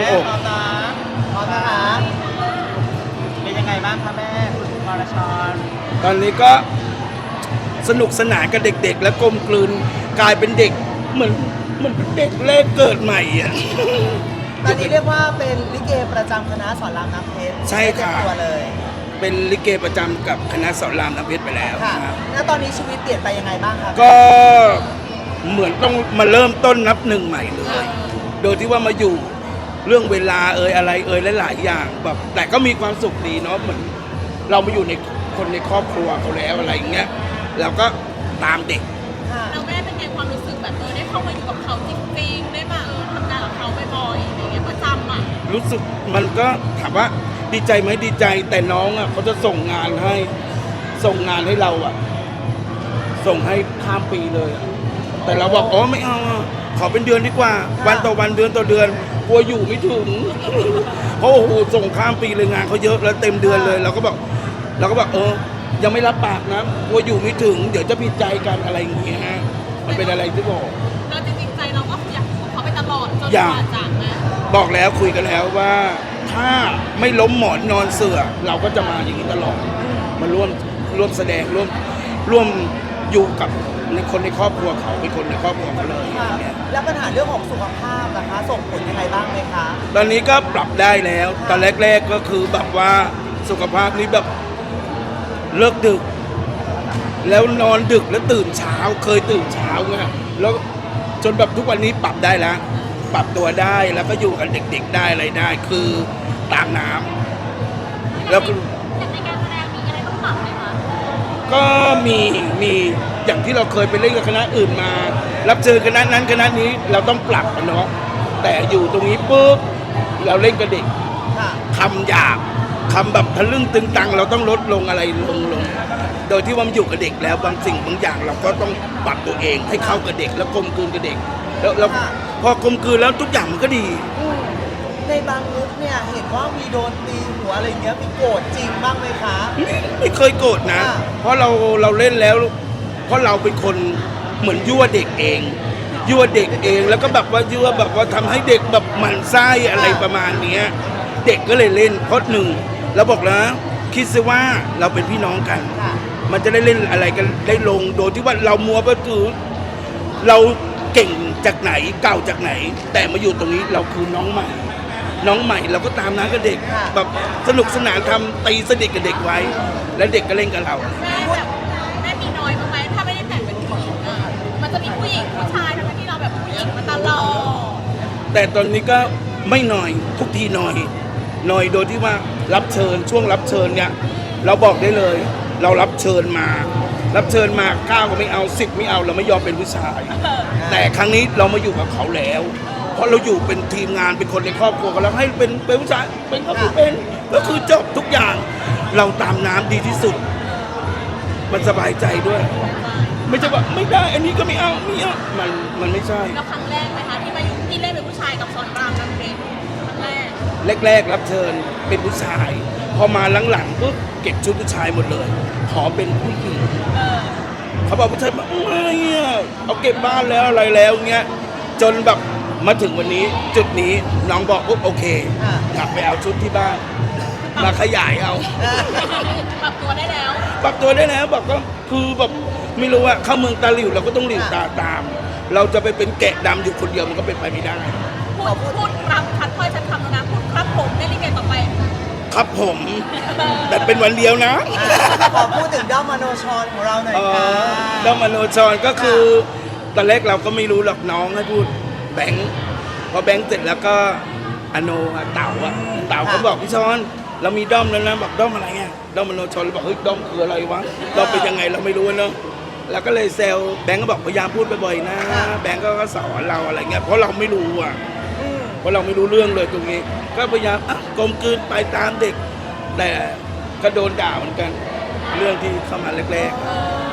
อกพร้อมนะพร้อมนะคะเป็นยังไงบ้างคะแม่คุณวรชรตอนนี้ก็สนุกสนานกับเด็กๆ และกลมกลืนกลายเป็นเด็กเหมือนเป็นเด็กแรกเกิดใหม่อ่ะตอนนี้เรียกว่าเป็นลิเกประจำคณะสอนรามน้ำเพชรใช่ค่ะเต็มตัวเลยเป็นลิเกประจำกับคณะสอนรามน้ำเพชรไปแล้วค่ะนะครับแล้วตอนนี้ชีวิตเปลี่ยนไปยังไงบ้างคะก็เหมือนต้องมาเริ่มต้นนับหนึ่งใหม่เลย โดยที่ว่ามาอยู่เรื่องเวลาอะไรหลายๆอย่างแบบแต่ก็มีความสุขดีเนาะเหมือนเรามาอยู่ในคนในครอบครัวเขาแล้วอะไรอย่างเงี้ยเราก็ตามเด็กค่ะเราแม่เป็นไงความรู้สึกแบบได้เข้ามาอยู่กับเขาจริงๆได้มาทำงานกับเขาบ่อยๆอะไรเงี้ยประจำอ่ะรู้สึกมันก็ถามว่าดีใจไหมดีใจแต่น้องอ่ะเขาจะส่งงานให้เราอ่ะส่งให้ข้ามปีเลยอะแต่เราบอกอ๋อไม่เอาอะขอเป็นเดือนดีกว่า วันต่อวันเดือนต่อเดือนกลัวอยู่ไม่ถึง เพราะโอ้โหส่งข้ามปีเลยงานเขาเยอะแล้วเต็มเดือนเลยเราก็บอกยังไม่รับปากนะกลัวอยู่ไม่ถึงเดี๋ยวจะผิดใจกันอะไรอย่างเงี้ยมันเป็นอะไรที่บอกเราจริงๆใจเราก็อยากอยู่กับเขาไปตลอดจนอยากกว่าจากนะบอกแล้วคุยกันแล้วว่าถ้าไม่ล้มหมอนนอนเสื่อเราก็จะมาอย่างนี้ตลอดมาร่วมแสดงร่วมอยู่กับในคนในครอบครัวเขาเป็นคนในครอบครัวเขาเลยค่ะอย่างเงี้ยแล้วปัญหาเรื่องของสุขภาพนะคะ ส่งผลยังไงบ้างไหมคะตอนนี้ก็ปรับได้แล้วตอนแรกๆก็คือแบบว่าสุขภาพนี้แบบเลิกดึก แล้วนอนดึกแล้วตื่นเช้าเคยตื่นเช้าไงแล้วจนแบบทุกวันนี้ปรับได้แล้ว ปรับตัวได้แล้วก็อยู่กับเด็กๆได้อะไรได้ คือตามน้ำแล้วก็ในการแสดงมีอะไรต้องปรับไหมคะก็มีอย่างที่เราเคยไปเล่นกับคณะอื่นมา รับเจอคณะนั้นคณะนี้เราต้องปรับกันเนาะแต่อยู่ตรงนี้ปุ๊บเราเล่นกับเด็กค่ะคำหยาบคำแบบทะลึ่งตึงตังเราต้องลดลงอะไรลงโดยที่ว่ามันอยู่กับเด็กแล้วบางสิ่งบางอย่างเราก็ต้องปรับตัวเองให้เข้ากับเด็กแล้วกลมกลืนกับเด็กแล้วพอกลมกลืนแล้วทุกอย่างมันก็ดีในบางมุกเนี่ยเห็นว่ามีโดนตีหัวอะไรเงี้ยมีโกรธจริงบ้างไหมคะไม่เคยโกรธนะอ่าเพราะเราเล่นแล้ว เพราะเราเป็นคนเหมือนยั่วเด็กเองแล้วก็แบบว่ายั่วแบบว่าทำให้เด็กแบบหมั่นไส้อะไรประมาณเนี้ยเด็กก็เลยเล่นเพราะหนึ่งเราบอกแล้วคิดซะว่าเราเป็นพี่น้องกันค่ะมันจะได้เล่นอะไรกันได้ลงโดยที่ว่าเรามัวไปถือเราเก่งจากไหนเก่าจากไหน แต่มาอยู่ตรงนี้เราคือน้องใหม่เราก็ตามน้ากับเด็กค่ะแบบสนุกสนานทำตีสนิทกับเด็กไว้ แล้วเด็กก็เล่นกับเราแม่แบบแม่มีน้อยบ้างไหมถ้าไม่ได้แต่งเป็นผู้หญิงอ่ะมันจะมีผู้หญิงผู้ชายทั้งที่เราแบบผู้หญิงมาตลอดแต่ตอนนี้ก็ไม่น้อยทุกทีน้อยโดยที่ว่ารับเชิญช่วงรับเชิญเนี่ยเราบอกได้เลย เรารับเชิญมา9ก็ไม่เอา10ไม่เอาเราไม่ยอมเป็นผู้ชาย แต่ครั้งนี้เรามาอยู่กับเขาแล้ว เพราะเราอยู่เป็นทีมงานเป็นคนในครอบครัวกันแล้วให้เป็นผู้ชายเป็นก็เป็นก็คือจบทุกอย่าง เราตามน้ำดีที่สุด มันสบายใจด้วย ไม่ใช่ว่าไม่ได้อันนี้ก็ไม่เอามันไม่ใช่แล้วครั้งแรกไหมคะที่มาอยู่ที่เล่นเป็นผู้ชายกับสอนรามน้ำเพชรครั้งแรกแรกๆรับเชิญเป็นผู้ชาย พอมาหลังๆปุ๊บเก็บชุดผู้ชายหมดเลย ขอเป็นผู้หญิงเขาบอกผู้ชายบอกไม่อะเอาเก็บบ้านแล้วอะไรแล้วเงี้ยจนแบบมาถึงวันนี้จุดนี้น้องบอกปุ๊บโอเคอ่ะกลับไปเอาชุดที่บ้านมาขยายเอาปรับตัวได้แล้วปรับตัวได้แล้วบอกก็คือแบบไม่รู้ว่าเข้าเมืองตาหลิวเราก็ต้องหลิวตาตาม เราจะไปเป็นแกะดำอยู่คนเดียวมันก็เป็นไปไม่ได้พูดครับชัดถ้อยชัดคำแล้วนะพูดครับผมได้ลิเกต่อไปครับผมแต่เป็นวันเดียวนะขอพูดถึงด้อมมโนชรของเราหน่อยค่ะด้อมมโนจรก็คือตอนแรกเราก็ไม่รู้หรอกน้องให้พูดแบงค์พอแบงค์เสร็จแล้วก็อโนอะเต่าเขาบอกพี่ชอนเรามีด้อมแล้วนะบอกด้อมอะไรเงี้ยด้อมมโนชนเราบอกเฮ้ยด้อมคืออะไรวะด้อมเป็นยังไงเราไม่รู้เนาะแล้วก็เลยแซวแบงค์ก็บอกพยายามพูดบ่อยๆนะแบงค์ก็สอนเราอะไรเงี้ยเพราะเราไม่รู้อ่ะเพราะเราไม่รู้เรื่องเลยตรงนี้ ก็พยายามกลมกลืนไปตามเด็ก แต่ก็โดนด่าเหมือนกัน เรื่องที่เข้ามาแรก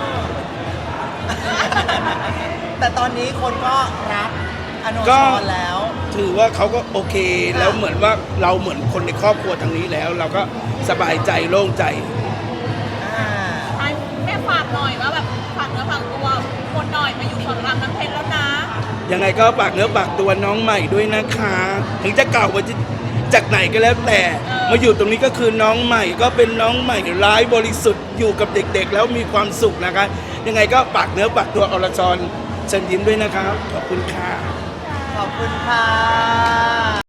แต่ตอนนี้คนก็รักอโนก็ชรแล้วๆถือว่าเขาก็โอเคแล้วเหมือนว่าเราเหมือนคนในครอบครัวทางนี้แล้ว เราก็สบายใจโล่งใจอ่าแม่ฝากหน่อยว่าแบบฝากเนื้อฝากตัวคนหน่อยมาอยู่สอนรามน้ำเพชรแล้วนะยังไงก็ฝากเนื้อฝากตัวน้องใหม่ด้วยนะคะ ถึงจะเก่ามาจากไหนก็แล้วแต่มาอยู่ตรงนี้ก็คือน้องใหม่ก็เป็นน้องใหม่ร้ายบริสุทธิ์อยู่กับเด็กๆ แล้วมีความสุขนะคะ ยังไงก็ฝากเนื้อฝากตัวอรชรเชิญยิ้มด้วยนะครับขอบคุณค่ะขอบคุณค่ะ